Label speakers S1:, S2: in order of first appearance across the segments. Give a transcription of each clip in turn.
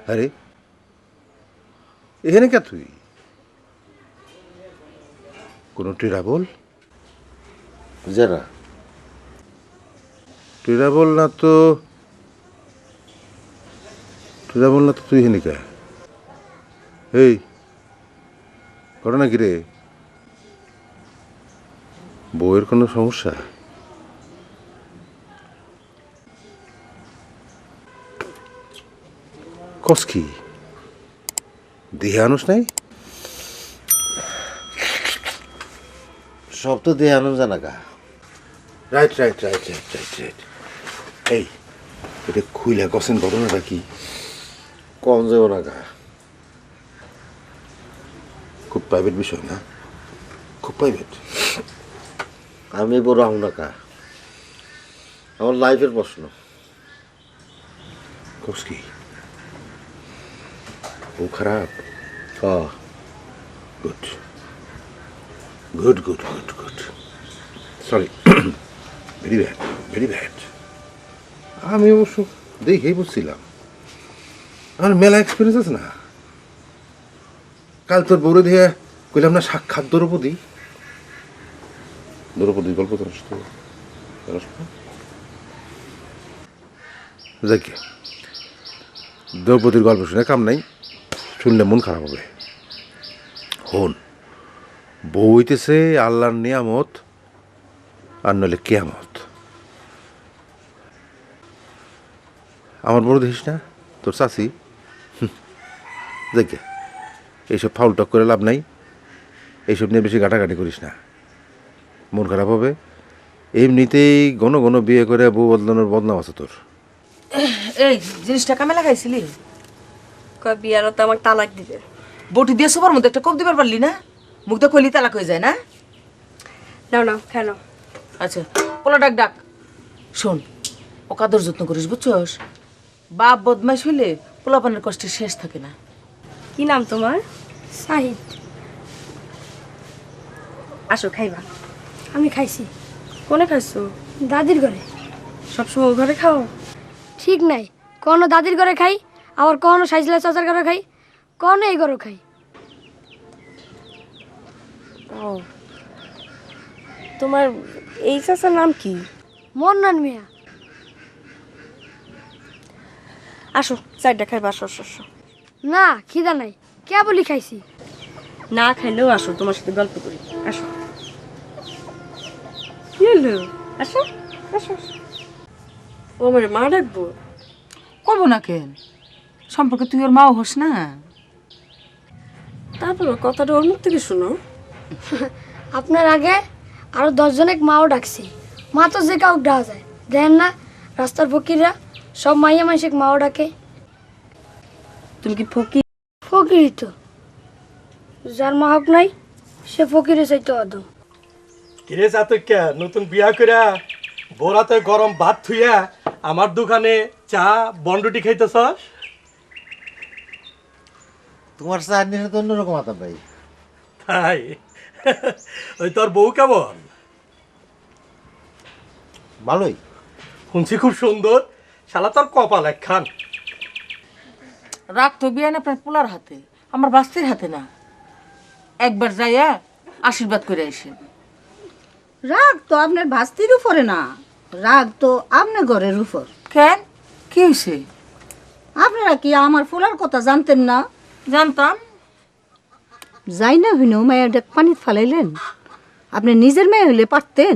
S1: আরে এখানে কে তুই? কোনো ট্রাভেল?
S2: যারা
S1: ট্রাভেল না তো তুই এখানে কে? এই ঘটনা কি রে? বউয়ের কোনো সমস্যা? কস কি দেহে আনুস নাই?
S2: সব তো দেহে আনো জানা গা।
S1: রাইট এই এটা খুইলা কছেন ঘটনাটা কি?
S2: কম যাবো না গা।
S1: খুব প্রাইভেট বিষয় না? খুব প্রাইভেট?
S2: আমি বড় হও না কা, আমার লাইফের প্রশ্ন।
S1: কস কি ও খারাপ? Good good good good good sorry very bad. আমি অবশ্য দেখেই বুঝছিলাম, আমার মেলা এক্সপিরিয়েন্স আছে না। কাল তোর বউরে দিয়ে কইলাম না সাক্ষাৎ দ্রৌপদীর গল্প তোর যাই দ্রৌপদীর গল্প শুনে কাম নাই, শুনলে মন খারাপ হবে। হন, বউ হইতেছে আল্লাহর নিয়ামত, আর নইলে কেয়ামত। আমার বড় দেখিস না তোর চাষি, দেখে এইসব ফাউল টক করে লাভ নাই। এইসব নিয়ে বেশি ঘাটাঘাটি করিস না, মন খারাপ হবে। এমনিতেই ঘন ঘন বিয়ে করে বউ বদলানোর বদনাম আছে তোর।
S3: এই জিনিসটা কামে লাগাইছিলি?
S4: কয় বিয়ারও তো আমাকে তালাক দিবে।
S3: বটি দিয়ে সবার মধ্যে একটা কোপ দিবার পারলি না? মুখটা কইলি তালাক হয়ে যায় না?
S4: নাও নাও কেন?
S3: আচ্ছা পোলা ডাক ডাক। শোন, ও কাদর যত্ন করিস বুঝছস? বাপ বদমাইশ হইলে পোলাপানের কষ্টের শেষ থাকে না।
S4: কি নাম তোমার?
S5: সাহিদ।
S4: আসো খাইবা।
S5: আমি খাইছি
S4: কোনে খাইছো?
S5: দাদির ঘরে।
S4: সবসময় ঘরে খাও?
S5: ঠিক নাই, কোনো দাদির ঘরে খাই, আবার কোনো সাইজলা চাচার ঘরে খাই, কোনো এই ঘরে খাই।
S4: ও, তোমার এই চাচার নাম কি?
S5: মন্নান মিয়া।
S4: আসো চারটা খাইবা, আসো আসো আসো।
S5: না খিদা নাই, কে বলি খাইছি।
S4: না খাইলেও আসো, তোমার সাথে গল্প করি। আসো। কি হলো? আসো আসো আসো। ও আমার মা ডাকবো?
S3: করবো না কেন? সম্পর্কে তুই ওর মাও হোস না।
S4: তারপর কথাটা ওর মুখ থেকে শোনো।
S5: আপনার আগে আরো 10 জনের মাও ডাকছি, মা তো যে কাউকে ডাকা যায়, দেখেন না রাস্তার ফকিররা সব মাইয়া মাইসিক মাও ডাকে।
S4: তুমি কি ফকির?
S5: ফকিরই তো, যার মা হক নাই সে ফকিরে চাইতে অদম।
S6: কিরে চাতক্যা, নতুন বিয়া কইরা বোরাতে গরম ভাত থুইয়া আমার দোকানে চা বন্ডুটি খাইতেছস?
S2: তোমার চার নিয়ে তো অন্যরকম আতাম ভাই।
S6: তাই? ওই তোর বউ কেমন?
S2: ভালোই।
S6: শুনছি খুব সুন্দর। শালা তোর কপাল একখান।
S3: রাগ তো বিয়ান আপনার পোলার হাতে, আমার বাস্তির হাতে না। একবার যাইয়া আশীর্বাদ করে আসেন।
S7: রাগ তো আপনার ভাস্তির উপরে না, রাগ তো আপনার ঘরের উপর।
S3: কেন, কি হয়েছে?
S7: আপনারা কি আমার ফুলার কথা জানতেন না?
S3: জানতাম।
S7: যাই না হইলেও মায়ের পানি ফালাইলেন, আপনি নিজের মেয়ে হইলে পারতেন।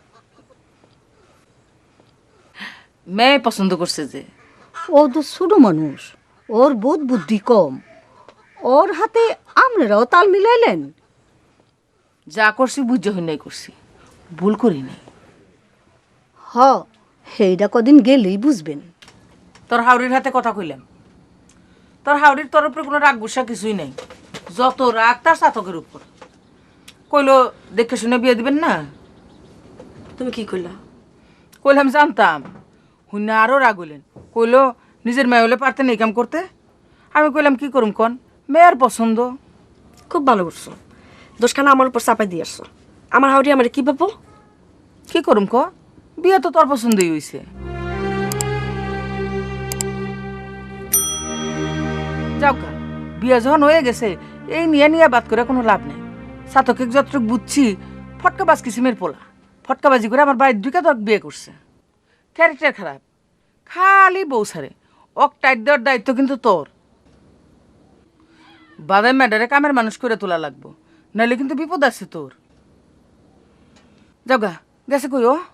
S3: মেয়ে পছন্দ করছে যে।
S7: ও তো ছোট মানুষ, ওর বোধ বুদ্ধি কম, ওর হাতে আপনারাও তাল মিলাইলেন।
S3: যা করছি বুঝে হইনাই করছি, ভুল করি নাই।
S7: হ, সেইটা কদিন গেলেই বুঝবেন।
S3: তোর হাওড়ির হাতে কথা কইলাম, তোর হাওড়ির তোর উপরে কোনো রাগ গুসা কিছুই নাই। যত রাগ তার চাতকের উপর। কইলো দেখে শুনে বিয়ে দিবেন না।
S4: তুমি কি করলা?
S3: কইলাম জানতাম। হুন্না আরও রাগ হইলেন, কইলো নিজের মেয়ে হলে পারতেন এই কাম করতে। আমি কইলাম কি করুম কন, মেয়ের পছন্দ।
S4: খুব ভালো করছো, দোষখানা আমার উপর চাপাই দিয়ে আসছো। আমার হাওড়ি আমার কি পাবো?
S3: কি করুম ক, বিয়ে তো তোর পছন্দই হইছে। যাও গা, বিয়ে যখন হয়ে গেছে এই নিয়ে নিয়ে বাদ করে কোনো লাভ নেই। সাতকে যতটুক বুঝছি ফটকাবাজ কিসিমের পোলা, ফটকাবাজি করে আমার বাড়ির ঢুকে তোর বিয়ে করছে। ক্যারেক্টার খারাপ, খালি বউ সারে। ওক টাইট দেওয়ার দায়িত্ব কিন্তু তোর। বাদাম ম্যাডারে কামের মানুষ করে তোলা লাগবো, নাহলে কিন্তু বিপদ আছে তোর। যাও গা, গেছে কই ও?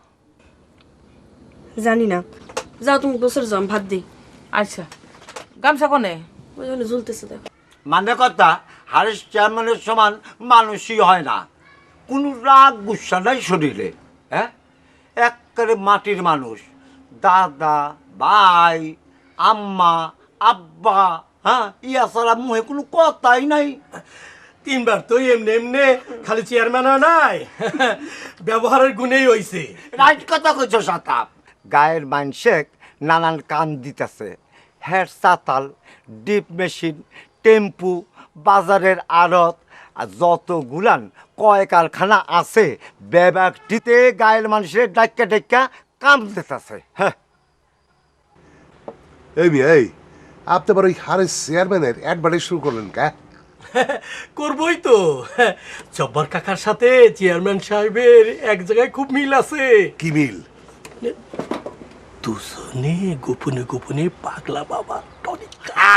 S4: জানি না, যাও তুমি গোসল যাও, আমি ভাত দিই।
S3: আচ্ছা, গামছা কনে?
S4: ওই জন্য ঝুলতেছে দেখো।
S8: মানে কথা, হারিস চেয়ারম্যানের সমান মানুষই হয় না, কোনো রাগ গুসা নাই শরীরে। হ্যাঁ, একেবারে মাটির মানুষ, দাদা ভাই আম্মা আব্বা, হ্যাঁ, ইয়া ছাড়া মুহে কোনো কথাই নাই।
S6: তিনবার তো এমনি এমনি খালি চেয়ারম্যান হয় নাই, ব্যবহারের গুণেই হইছে।
S8: রাইট কথা কইছ সাতাপ। গায়ের মাইনসেক নানান কান দিতেছে, হেয়ার চাতাল, ডিপ মেশিন, টেম্পু, বাজারের আড়ত, আর যতগুলান কয় কারখানা আছে ব্যবসাটিতে গায়ের মানুষের ডাক্কা ডাক্কা কাম দিতেছে। হ্যাঁ,
S9: এই মিয়া, এই আপনি আবার ওই হারেস চেয়ারম্যানের অ্যাডভার্টাইজ শুরু করলেন কা?
S6: করবই তো, জব্বার কাকার সাথে চেয়ারম্যান সাহেবের এক জায়গায় খুব মিল আছে।
S9: কি মিল?
S6: দুজনে গোপনে গোপনে পাগলা বাবা টনিক।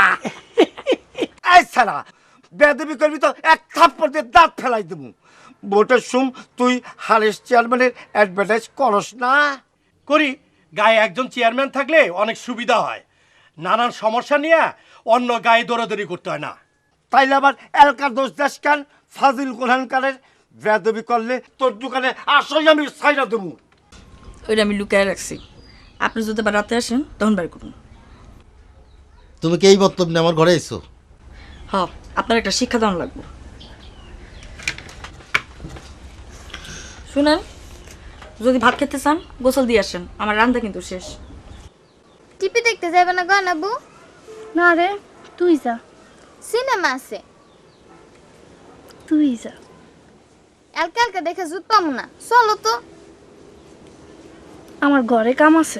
S8: এই ছাড়া বেদবি করবি তো এক থাপ্পড় দিয়ে দাঁত ফেলাই দেবো। ভোটের সুম তুই হারেস চেয়ারম্যানের অ্যাডভার্টাইজ করস না?
S6: করি, গায়ে একজন চেয়ারম্যান থাকলে অনেক সুবিধা হয়, নানান সমস্যা নিয়ে অন্য গায়ে দৌড়াদৌড়ি করতে হয় না।
S8: তাইলে আবার এলাকার দোষ দেশ কান ফাজিল কোরআনকারের বেদবি করলে তোর দোকানে আসলে আমি ছাইরা দেবো।
S4: ওইটা আমি লুকায় রাখছি, আপনি যদি আবার রাতে আসেন তখন বের করুন।
S2: তুমি কি এই বক্তব্য নিয়ে আমার ঘরে এসো?
S4: হ, আপনার একটা শিক্ষা দান লাগবে। শুনেন, যদি ভাত খেতে চান গোসল দিয়ে আসেন, আমার রান্না কিন্তু শেষ।
S10: টিপি দেখতে যাবে না গনাবু?
S5: না রে, তুই যা,
S10: সিনেমা আছে,
S5: তুই যা।
S10: এলকা এলকা দেখে জুত পাবো না, চলো তো।
S5: আমার ঘরে কাম আছে।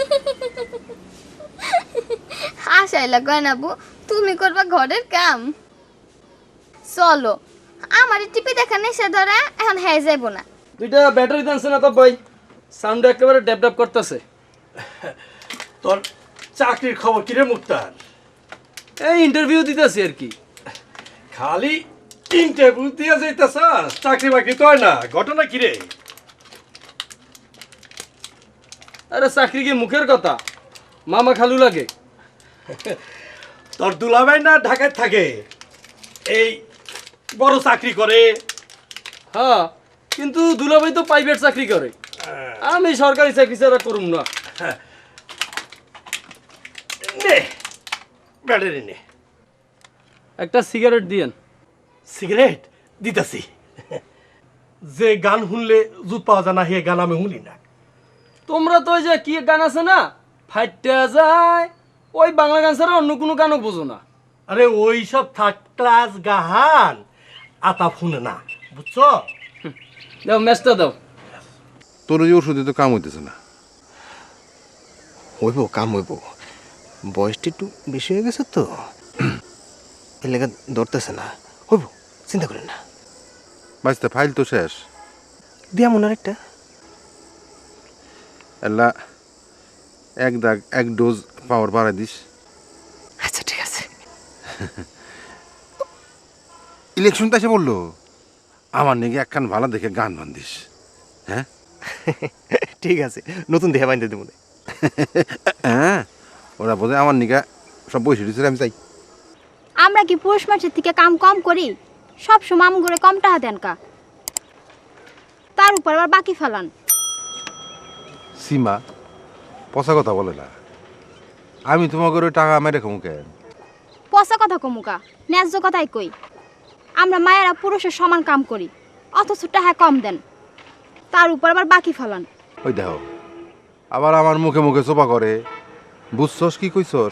S10: হাসাইলা গয়নাবু, তুমি করবা ঘরের কাম? চলো, আমার টিপি দেখা নেশা ধরা, এখন হয়ে যাইবো না।
S11: দুইটা ব্যাটারি দানছে না তো ভাই, সাউন্ড একেবারে ড্যাপ ড্যাপ করতেছে।
S6: তোর চাকরির খবর কিরে মুক্তার?
S11: এই ইন্টারভিউ দিতেছি আর কি।
S6: খালি ইন্টারভিউ দিয়ে যাইতেছ, চাকরি বাকরি তো হয় না, ঘটনা কিরে?
S11: আরে চাকরি কি মুখের কথা, মামা খালু লাগে।
S6: তোর দুলাভাই না ঢাকায় থাকে, এই বড় চাকরি করে।
S11: হ্যাঁ, কিন্তু দুলাভাই তো প্রাইভেট চাকরি করে, আমি সরকারি চাকরি ছাড়া করুম না।
S6: নে ব্যাটারি নে।
S11: একটা সিগারেট দিয়েন।
S6: সিগারেট দিতাছি। যে গান শুনলে জুত পাওয়া যায় না, হে গান আমি শুনি না।
S11: তোমরা তো ওই যে কি গান আছে না, ফাইটা যায়, ওই বাংলা গান ছাড়া অন্য কোনো গানও বোঝো না।
S6: আরে ওই সব থার্ড ক্লাস গাহান আতা শুনে না, বুঝছো?
S11: দাও ম্যাচটা দাও।
S1: তোর ওই ওষুধে তো কাম হইতেছে না।
S12: হইব, কাম হইব, বয়সটা একটু বেশি হয়ে গেছে তো, এলাকা ধরতেছে না। হইব, চিন্তা করেন না।
S1: বাঁচতে ফাইল তো শেষ।
S12: দিয়া মনে একটা
S1: এলা এক দাগ এক ডোজ পাওয়ার বাড়াই দিস।
S12: আচ্ছা ঠিক আছে।
S1: ইলেকশন তো এসে বললো, আমার নাকি একখান ভালো দেখে গান বান্ধিস। হ্যাঁ
S12: ঠিক আছে, নতুন দেহা বাইন্দে দেবো।
S1: হ্যাঁ, ওরা বোধ আমার নিকা সব বসে দিয়েছিল, আমি চাই।
S10: আমরা কি পুরুষ মানুষের থেকে কাম কম করি? সব সময় আম করে কম টাকা দেন কা, তার উপর আবার বাকি ফেলান।
S1: সীমা পচা কথা বলে না, আমি তোমাকে ওই টাকা মেরে খামু কেন?
S10: পচা কথা কমুকা, ন্যায্য কথাই কই। আমরা মায়েরা পুরুষের সমান কাম করি, অথচ টাকা কম দেন, তার উপর আবার বাকি ফেলান।
S1: ওই দেখো, আবার আমার মুখে মুখে চোপা করে। বুঝছস কি কইছস?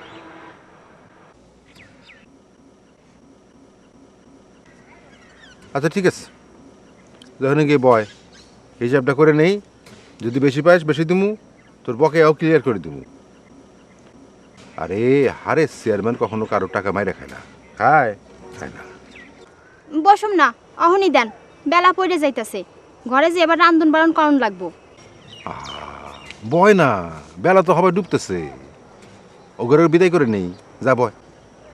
S1: আচ্ছা ঠিক আছে, যখন গিয়ে বয় হিসাবটা করে নেই, যদি বেশি পাইস বেশি দিমু, তোর বকেয়াও ক্লিয়ার করে দিমু। আরে হারেস চেয়ারম্যান কখনো কারো টাকা মাইরে খায় না, খায় খায় না।
S10: বসুম না, অহনি দেন, বেলা পড়ে যাইতাছে। ঘরে যে এবার রান্ধন বাড়ন করণ লাগবো।
S1: বয় না, বেলা তো হবে ডুবতেছে, ওগরের বিদায় করে নেই, যা বয়।